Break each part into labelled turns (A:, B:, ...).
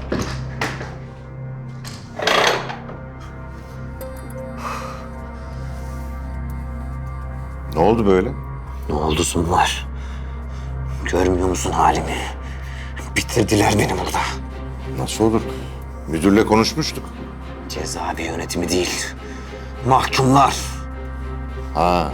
A: Ne oldu böyle?
B: Ne oldusun var? Görmüyor musun halimi? Bitirdiler beni burada.
A: Nasıl olur? Müdürle konuşmuştuk.
B: Cezaevi yönetimi değil, mahkumlar.
A: Ha.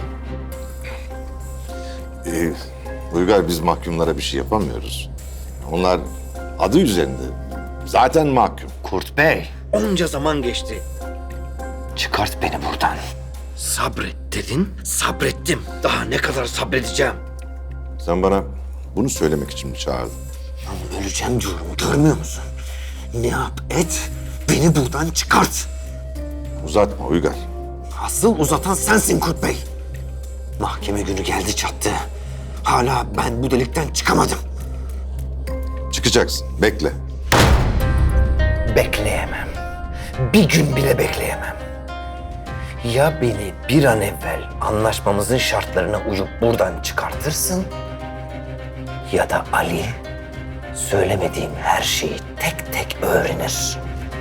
A: Uygar, biz mahkumlara bir şey yapamıyoruz. Onlar adı üzerinde. Zaten mahkum.
B: Kurt Bey, onca zaman geçti. Çıkart beni buradan. Sabret dedin, sabrettim. Daha ne kadar sabredeceğim?
A: Sen bana bunu söylemek için mi çağırdın?
B: Lan öleceğim diyorum, görmüyor musun? Ne yap et, beni buradan çıkart.
A: Uzatma Uygar.
B: Asıl uzatan sensin Kurt Bey. Mahkeme günü geldi çattı. Hala ben bu delikten çıkamadım.
A: Çıkacaksın. Bekle.
B: Bekleyemem. Bir gün bile bekleyemem. Ya beni bir an evvel anlaşmamızın şartlarına uyup buradan çıkartırsın... ...ya da Ali söylemediğim her şeyi tek tek öğrenir.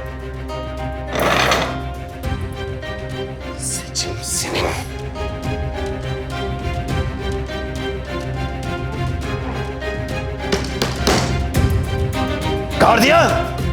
B: Seçim senin. Gardiyan!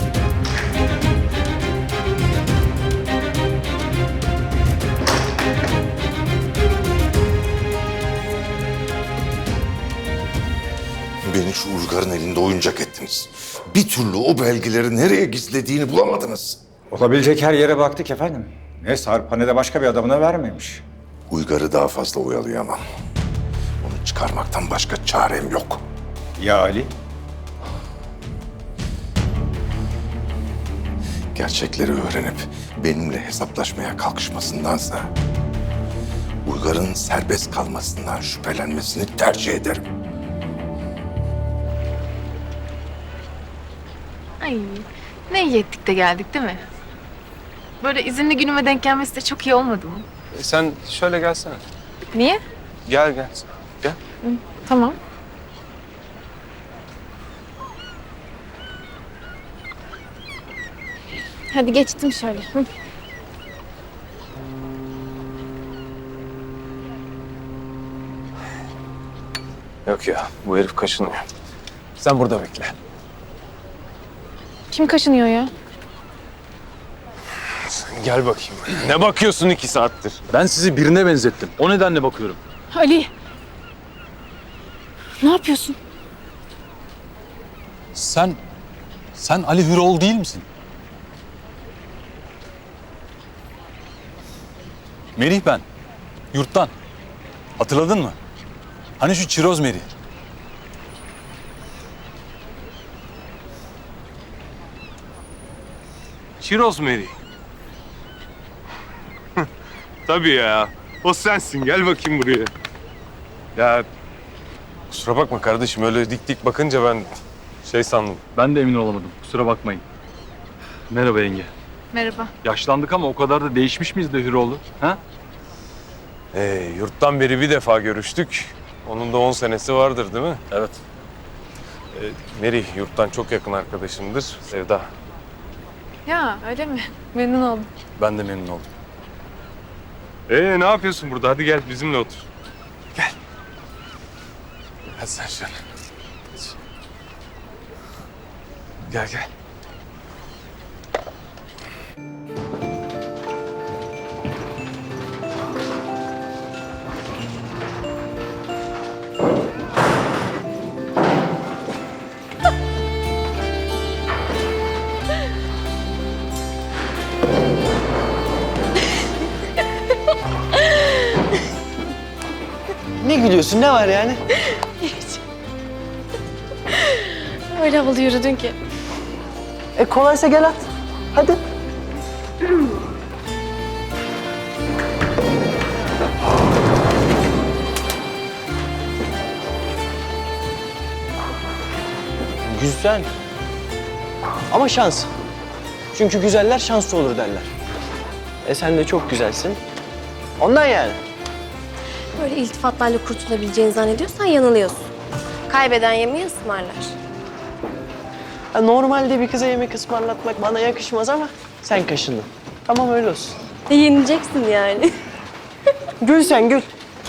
A: Beni şu Uygar'ın elinde oyuncak ettiniz. Bir türlü o belgeleri nereye gizlediğini bulamadınız.
C: Olabilecek her yere baktık efendim. Ne Sarp ne de başka bir adamına vermemiş.
A: Uygar'ı daha fazla oyalayamam. Onu çıkarmaktan başka çarem yok.
C: Ya Ali?
A: Gerçekleri öğrenip benimle hesaplaşmaya kalkışmasındansa... ...Uygar'ın serbest kalmasından şüphelenmesini tercih ederim.
D: Ay, ne iyi ettik de geldik değil mi? Böyle izinli günüme denk gelmesi de çok iyi olmadı mı?
E: Sen şöyle gelsene.
D: Niye?
E: Gel gel. Gel.
D: Tamam. Hadi geçtim şöyle. Hı.
E: Yok ya, bu herif kaşınıyor. Sen burada bekle.
D: Kim kaşınıyor ya?
E: Gel bakayım. Ne bakıyorsun 2 saattir?
F: Ben sizi birine benzettim. O nedenle bakıyorum.
D: Ali. Ne yapıyorsun?
F: Sen Ali Hüroğlu değil misin? Merih ben. Yurttan. Hatırladın mı? Hani şu çiroz Merih.
E: Çiroz Meri. Tabii ya. O sensin. Gel bakayım buraya. Ya kusura bakma kardeşim. Öyle dik dik bakınca ben sandım.
F: Ben de emin olamadım. Kusura bakmayın. Merhaba yenge.
D: Merhaba.
F: Yaşlandık ama o kadar da değişmiş miyiz de Hüroğlu? Ha?
E: Yurttan beri bir defa görüştük. Onun da 10 senesi vardır değil mi?
F: Evet.
E: Meri yurttan çok yakın arkadaşımdır. Sevda.
D: Ya öyle mi? Memnun oldum.
F: Ben de memnun oldum.
E: Ne yapıyorsun burada? Hadi gel bizimle otur. Gel. Hadi sen şöyle. Gel gel.
G: Ne gülüyorsun? Ne var yani?
D: Öyle havalı yürüdün ki.
G: Kolaysa gel at. Hadi. Güzel. Ama şans. Çünkü güzeller şanslı olur derler. Sen de çok güzelsin. Ondan yani.
H: Böyle iltifatlarla kurtulabileceğini zannediyorsan yanılıyorsun. Kaybeden yemeği ısmarlar.
G: Ha, normalde bir kıza yemek ısmarlatmak bana yakışmaz ama sen kaşındın. Tamam öyle olsun.
H: Yenileceksin yani.
G: Gül sen gül.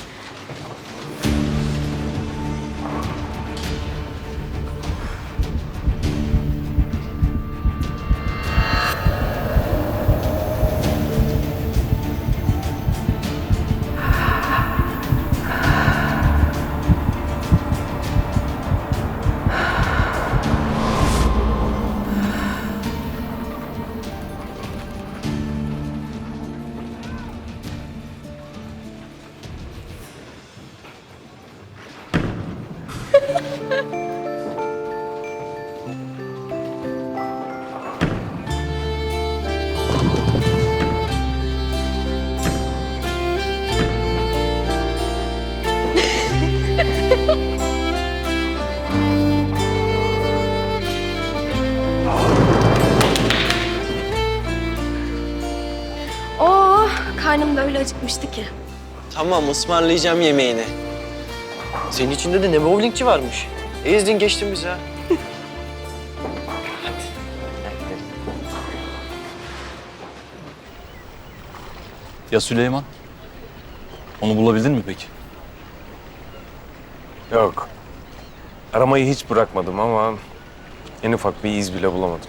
H: Oo, karnım da öyle acıkmıştı ki.
G: Tamam ısmarlayacağım yemeğini. Senin içinde de ne bowlingçi varmış. Ezdin geçtin bizi ha.
F: Ya Süleyman? Onu bulabildin mi peki?
E: Yok. Aramayı hiç bırakmadım ama en ufak bir iz bile bulamadım.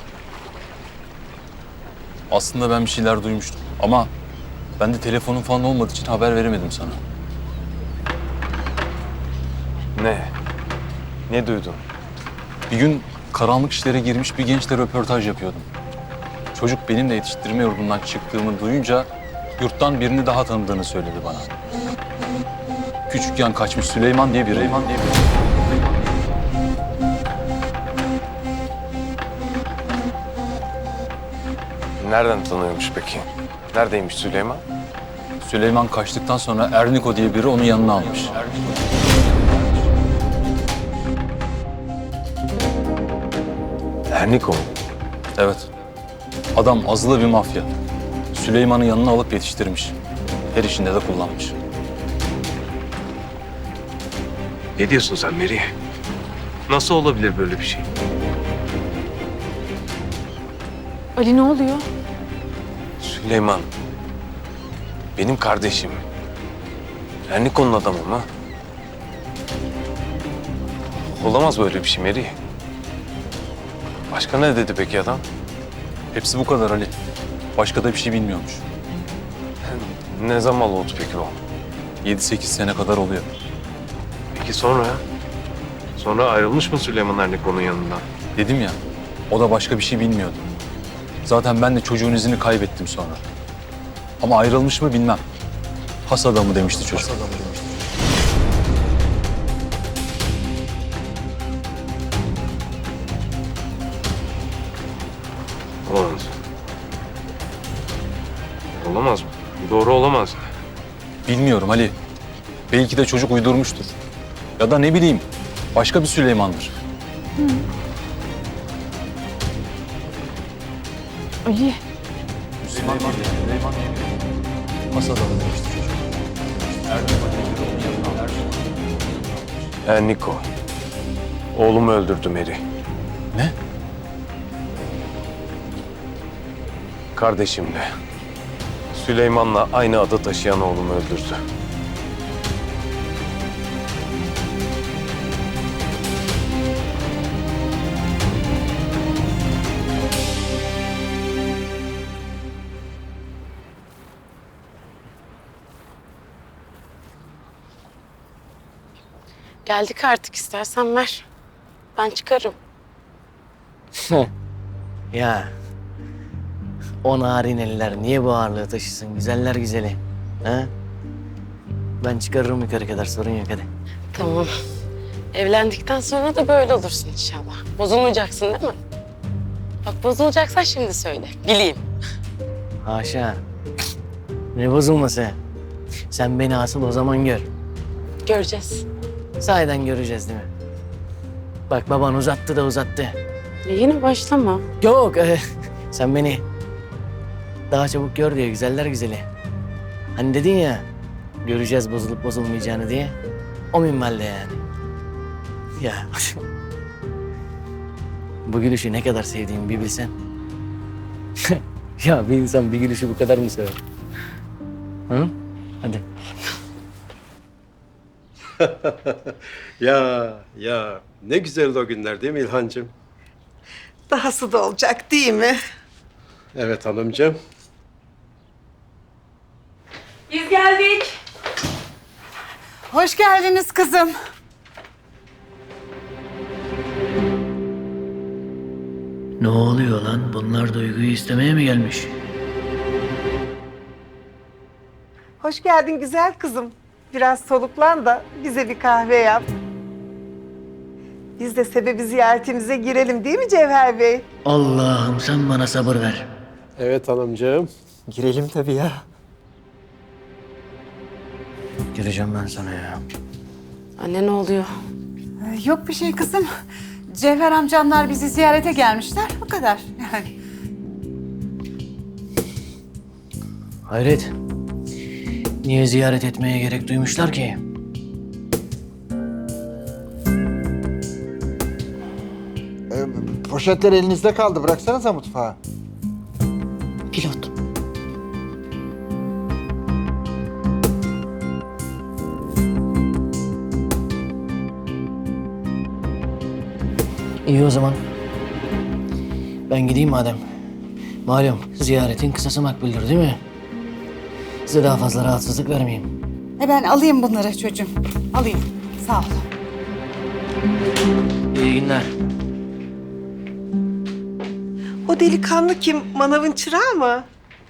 F: Aslında ben bir şeyler duymuştum ama ben de telefonun falan olmadığı için haber veremedim sana.
E: Ne? Ne duydun?
F: Bir gün karanlık işlere girmiş bir gençle röportaj yapıyordum. Çocuk benim de yetiştirme yurdundan çıktığımı duyunca yurttan birini daha tanıdığını söyledi bana. Küçükken kaçmış Süleyman diye biri.
E: Nereden tanıyormuş peki? Neredeymiş Süleyman?
F: Süleyman kaçtıktan sonra Erniko diye biri onu yanına almış.
E: Erniko mu?
F: Evet. Adam azılı bir mafya. Süleyman'ı yanına alıp yetiştirmiş. Her işinde de kullanmış.
E: Ne diyorsun sen Meri? Nasıl olabilir böyle bir şey?
D: Ali ne oluyor?
E: Süleyman. Benim kardeşim. Erniko'nun adamı mı? Olamaz böyle bir şey Meri. Başka ne dedi peki adam?
F: Hepsi bu kadar Ali. Başka da bir şey bilmiyormuş.
E: Ne zaman oldu peki o?
F: 7-8 sene kadar oluyor.
E: Peki sonra? Sonra ayrılmış mı Süleyman Erniko'nun yanından?
F: Dedim ya, o da başka bir şey bilmiyordu. Zaten ben de çocuğun izini kaybettim sonra. Ama ayrılmış mı bilmem. Has adamı demişti çocuk.
E: Olamaz. Olamaz mı? Doğru olamaz.
F: Bilmiyorum Ali. Belki de çocuk uydurmuştur. Ya da ne bileyim, başka bir Süleyman'dır.
D: Ali.
F: Has adamı demişti çocuk.
E: Erniko. Oğlumu öldürdü Meri.
F: Ne?
E: Kardeşimle. Süleyman'la aynı adı taşıyan oğlumu öldürdü.
I: Geldik artık istersen ver. Ben çıkarım.
G: Ya. O narin eller niye bu ağırlığı taşısın güzeller güzeli? Ha? Ben çıkarırım yukarı kadar sorun yok hadi.
I: Tamam. Evlendikten sonra da böyle olursun inşallah. Bozulmayacaksın değil mi? Bak bozulacaksan şimdi söyle. Bileyim.
G: Haşa. Ne bozulması? Sen beni asıl o zaman gör.
I: Göreceğiz.
G: Sahiden göreceğiz değil mi? Bak baban uzattı da uzattı.
I: Yine başlama.
G: Yok sen beni daha çabuk gör diyor güzeller güzeli. Hani dedin ya göreceğiz bozulup bozulmayacağını diye. O minvalde yani. Ya Bu gülüşü ne kadar sevdiğimi bir bilsen. Ya bir insan bir gülüşü bu kadar mı sever? Hı? Hadi.
J: Ya ne güzeldi o günler değil mi İlhancığım?
K: Dahası da olacak değil mi?
J: Evet hanımcığım.
I: Biz geldik.
K: Hoş geldiniz kızım.
G: Ne oluyor lan? Bunlar Duygu'yu istemeye mi gelmiş?
K: Hoş geldin güzel kızım. Biraz soluklan da bize bir kahve yap. Biz de sebebi ziyaretimize girelim değil mi Cevher Bey?
G: Allah'ım sen bana sabır ver.
J: Evet hanımcığım.
B: Girelim tabii ya.
G: Gireceğim ben sana ya.
I: Anne ne oluyor?
K: Yok bir şey kızım. Cevher amcamlar bizi ziyarete gelmişler. Bu kadar yani.
G: Hayret. Niye ziyaret etmeye gerek duymuşlar ki?
L: Poşetler elinizde kaldı. Bıraksanıza mutfağa.
G: Pilot. İyi o zaman. Ben gideyim madem. Malum ziyaretin kısası makbuldür değil mi? Size daha fazla rahatsızlık vermeyeyim.
K: Ben alayım bunları çocuğum. Alayım. Sağ ol.
G: İyi günler.
K: O delikanlı kim? Manavın çırağı mı?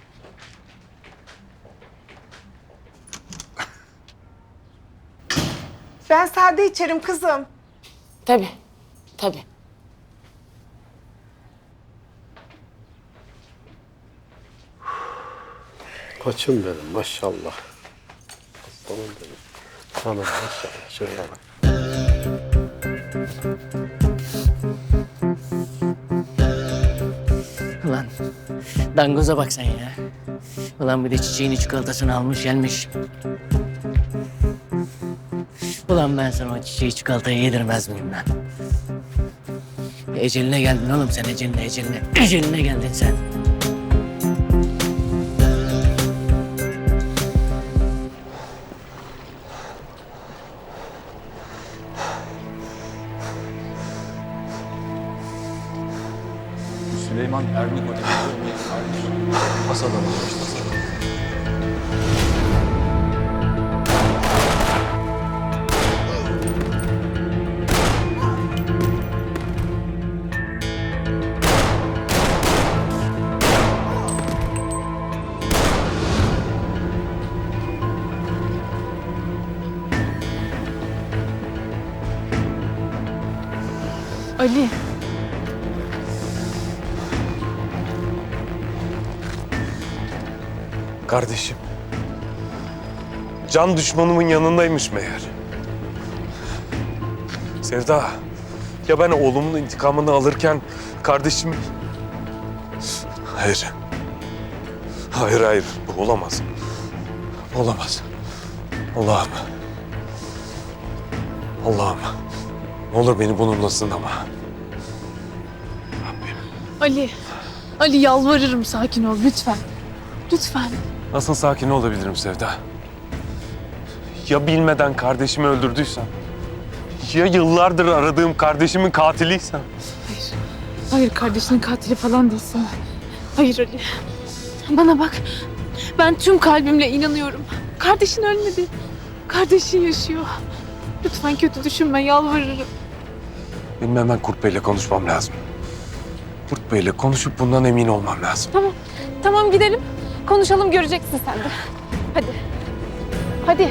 K: Ben sade içerim kızım.
I: Tabii. Tabii.
J: Koçum benim maşallah. Aslanım benim. Hanım maşallah. Şöyle bak.
G: Ulan dangoza bak sen ya. Ulan bir de çiçeğini çikolatasını almış gelmiş. Ulan ben sana o çiçeği çikolatayı yedirmez miyim lan? Eceline geldin oğlum sen eceline. Eceline geldin sen.
F: Süleyman Ernik Otel'in Hasan alınmıştı.
D: Ali.
E: Kardeşim. Can düşmanımın yanındaymış meğer. Sevda. Ya ben oğlumun intikamını alırken kardeşim... Hayır. Hayır. Bu olamaz. Olamaz. Allah'ım. Ne olur beni bununla sınama.
D: Ali. Ali yalvarırım sakin ol lütfen. Lütfen.
E: Nasıl sakin olabilirim Sevda? Ya bilmeden kardeşimi öldürdüysem? Ya yıllardır aradığım kardeşimin katiliysem?
D: Hayır kardeşinin katili falan değilsin. Hayır Ali. Bana bak. Ben tüm kalbimle inanıyorum. Kardeşin ölmedi. Kardeşin yaşıyor. Lütfen kötü düşünme yalvarırım.
E: Benim hemen Kurt Bey'le konuşmam lazım. Kurt Bey'le konuşup bundan emin olmam lazım.
D: Tamam gidelim. Konuşalım göreceksin sen de. Hadi. Hadi.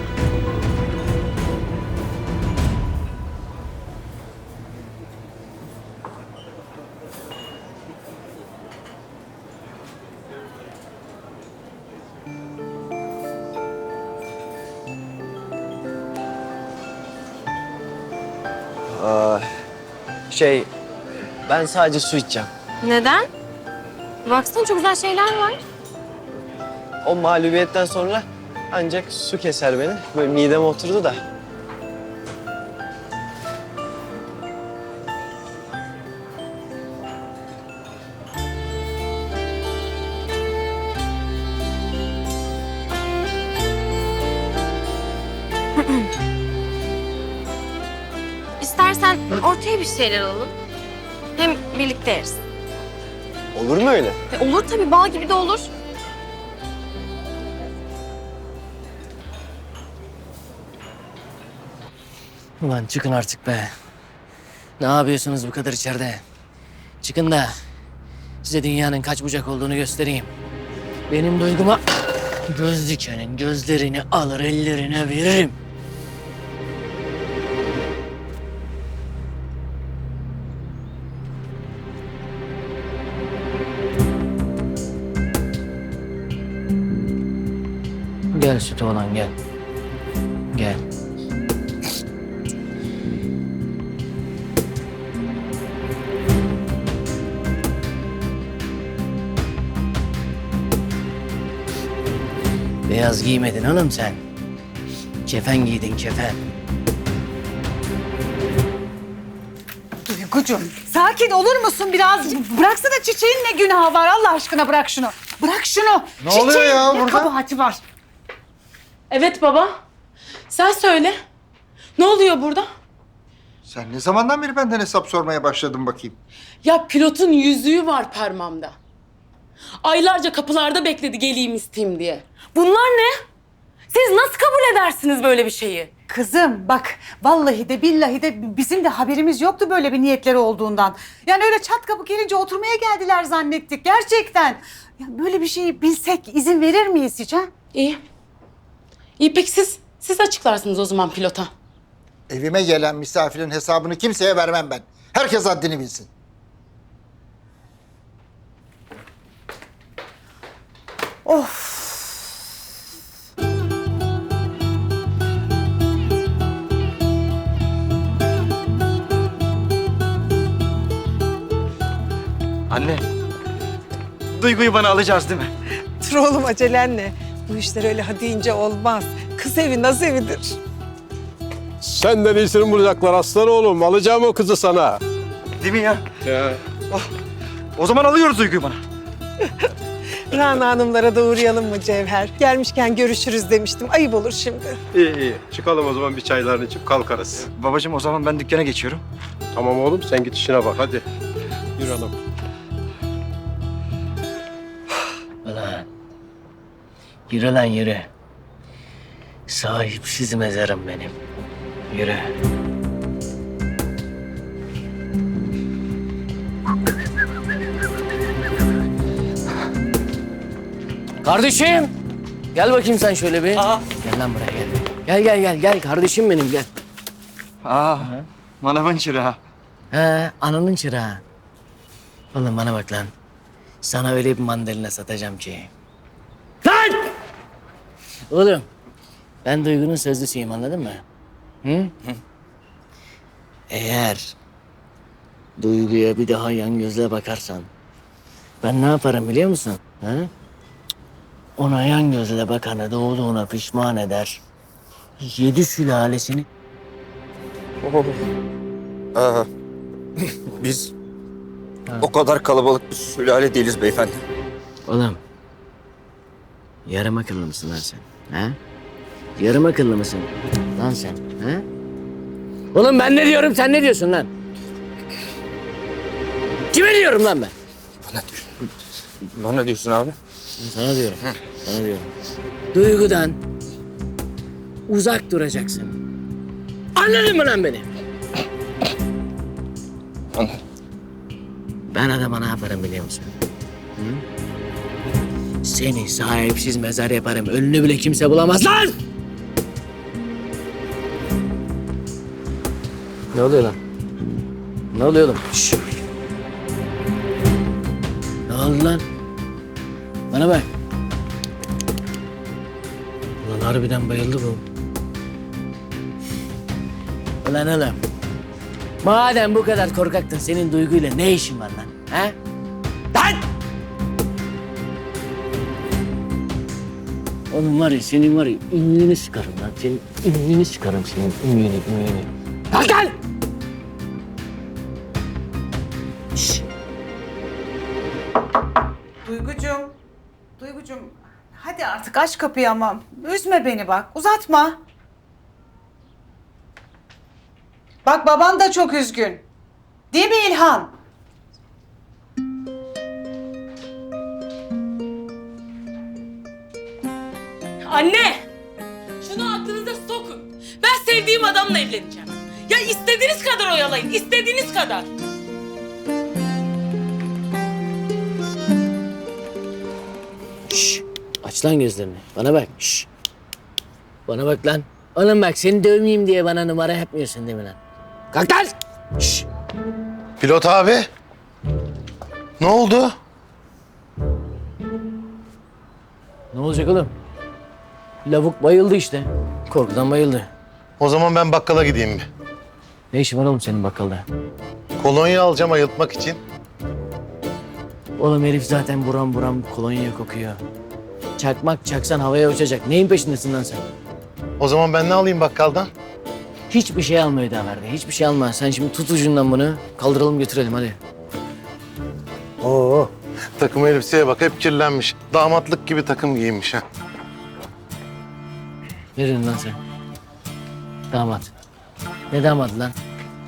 G: Ben sadece su içeceğim.
H: Neden? Baksana çok güzel şeyler var.
G: O mağlubiyetten sonra ancak su keser beni. Böyle mideme oturdu da.
H: bir şeyler alalım. Hem birlikte yeriz.
G: Olur mu öyle?
H: Olur tabii, bal gibi de olur.
G: Ulan çıkın artık be. Ne yapıyorsunuz bu kadar içeride? Çıkın da size dünyanın kaç bucak olduğunu göstereyim. Benim duyguma göz dikenin gözlerini alır ellerine veririm. Gel sütü olan gel. Gel. Beyaz giymedin oğlum sen. Kefen giydin kefen.
K: Duygucuğum sakin olur musun biraz? Bıraksana çiçeğin ne günahı var Allah aşkına bırak şunu. Bırak şunu.
L: Ne oluyor ya
K: ne
L: burada?
K: kabahati var?
I: Evet baba. Sen söyle. Ne oluyor burada?
L: Sen ne zamandan beri benden hesap sormaya başladın bakayım?
I: Ya pilotun yüzüğü var parmağımda. Aylarca kapılarda bekledi geleyim isteyeyim diye. Bunlar ne? Siz nasıl kabul edersiniz böyle bir şeyi?
K: Kızım bak vallahi de billahi de bizim de haberimiz yoktu böyle bir niyetleri olduğundan. Yani öyle çat kapı gelince oturmaya geldiler zannettik gerçekten. Ya böyle bir şeyi bilsek izin verir miyiz hiç ha?
I: İyi. İyi peki siz açıklarsınız o zaman pilota.
L: Evime gelen misafirin hesabını kimseye vermem ben. Herkes haddini bilsin.
K: Of.
M: Anne, Duygu'yu bana alacağız değil mi?
N: Dur oğlum acelenle. Bu işler öyle ha deyince olmaz. Kız evi naz evidir.
J: Senden iyisini bulacaklar aslan oğlum. Alacağım o kızı sana.
M: Değil mi ya? Oh, o zaman alıyoruz Duygu'yu bana.
N: Rana Hanımlara da uğrayalım mı Cevher? Gelmişken görüşürüz demiştim. Ayıp olur şimdi.
J: İyi. Çıkalım o zaman bir çaylarını içip kalkarız.
M: Babacığım o zaman ben dükkana geçiyorum.
J: Tamam oğlum sen git işine bak hadi. Yürü hanım.
G: Ulan. Yürü lan yürü. Sahipsiz mezarım benim. Yürü. Kardeşim. Gel bakayım sen şöyle bir. Gel lan buraya gel. Gel kardeşim benim gel.
M: Manavın çırağı.
G: He ananın çırağı. Oğlum bana bak lan. Sana öyle bir mandalina satacağım ki. Lan! Oğlum ben Duygu'nun sözlüsüyüm anladın mı? Hı? Eğer Duygu'ya bir daha yan gözle bakarsan ben ne yaparım biliyor musun? Ha? Ona yan gözle bakanı doğduğuna pişman eder. 7 sülalesini...
C: Biz o kadar kalabalık bir sülale değiliz beyefendi.
G: Oğlum, yarım akıllı mısın lan sen? Ha? Yarım akıllı mısın lan sen? Ha? Oğlum ben ne diyorum, sen ne diyorsun lan? Kime diyorum lan ben?
C: Bana diyorsun abi?
G: Sana diyorum, sana diyorum. Duygudan uzak duracaksın. Anladın mı lan beni?
C: Anladım.
G: Ben adama ne yaparım biliyor musun? Hı? Seni sahipsiz mezar yaparım. Ölünü bile kimse bulamaz lan! Ne oluyor lan? Ne oluyor oğlum? Şşş! Ne oldu lan? Bana bak. Ulan harbiden bayıldı bu. Ulan oğlum. Madem bu kadar korkaktın senin Duygu'yla ne işin var lan? Ha? Lan! Oğlum var ya senin var ya ümüğünü sıkarım lan. Senin ümüğünü sıkarım senin ümüğünü. Kalk lan! Şşş!
K: Duygucuğum hadi artık aç kapıyı ama üzme beni bak uzatma. Bak baban da çok üzgün. Değil mi İlhan?
I: Anne! Şunu aklınıza sokun. Ben sevdiğim adamla evleneceğim. Ya istediğiniz kadar oyalayın, istediğiniz kadar.
G: Şşş. Aç lan gözlerini. Bana bak. Şşş. Bana bak lan. Oğlum bak seni dövmeyeyim diye bana numara yapmıyorsun değil mi lan? Kalk lan! Şşş.
O: Pilot abi. Ne oldu?
G: Ne olacak oğlum? Lavuk bayıldı işte. Korkudan bayıldı.
O: O zaman ben bakkala gideyim mi?
G: Ne işin var oğlum senin bakkalda?
O: Kolonya alacağım ayıltmak için.
G: Oğlum herif zaten buram buram kolonya kokuyor. Çakmak çaksan havaya uçacak. Neyin peşindesin lan sen?
O: O zaman ben ne alayım bakkaldan?
G: Hiçbir şey alma Hüdaverdi. Hiçbir şey alma. Sen şimdi tut ucundan bunu. Kaldıralım götürelim hadi.
O: Oo. Takım elbiseye bak hep kirlenmiş. Damatlık gibi takım giyinmiş ha.
G: Ne diyorsun lan sen? Damat. Ne damadı lan?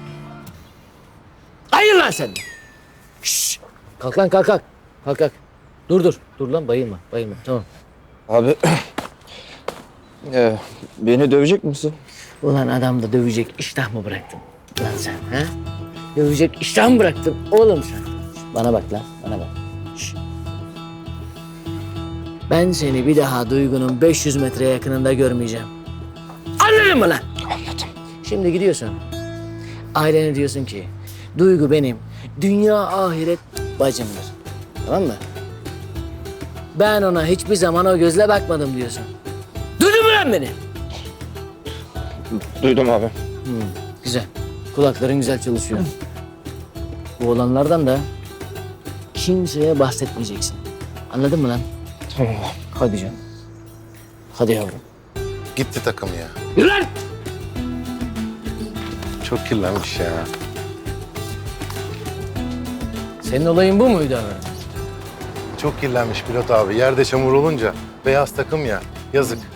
G: Hayır lan sen! Şşş! Kalk lan kalk kalk. Kalk kalk. Dur. Dur lan bayılma. Bayılma tamam.
M: Abi beni dövecek misin?
G: Ulan adam da dövecek iştah mı bıraktın lan sen ha? Dövecek iştah mı bıraktın oğlum sen? Bana bak lan bana bak. Şşş. Ben seni bir daha Duygu'nun 500 metre yakınında görmeyeceğim. Anladın mı lan? Anladım. Şimdi gidiyorsun. Ailene diyorsun ki Duygu benim dünya ahiret bacımdır. Tamam mı? Ben ona hiçbir zaman o gözle bakmadım diyorsun. Duydun mu lan beni?
M: Duydum abi.
G: Güzel. Kulakların güzel çalışıyor. Bu olanlardan da kimseye bahsetmeyeceksin. Anladın mı lan?
M: Tamam.
G: Hadi canım. Hadi yavrum.
O: Gitti takım ya.
G: Yürü lan!
O: Çok kirlenmiş ya.
G: Senin olayın bu muydu abi?
O: Çok kirlenmiş pilot abi. Yerde çamur olunca beyaz takım ya. Yazık.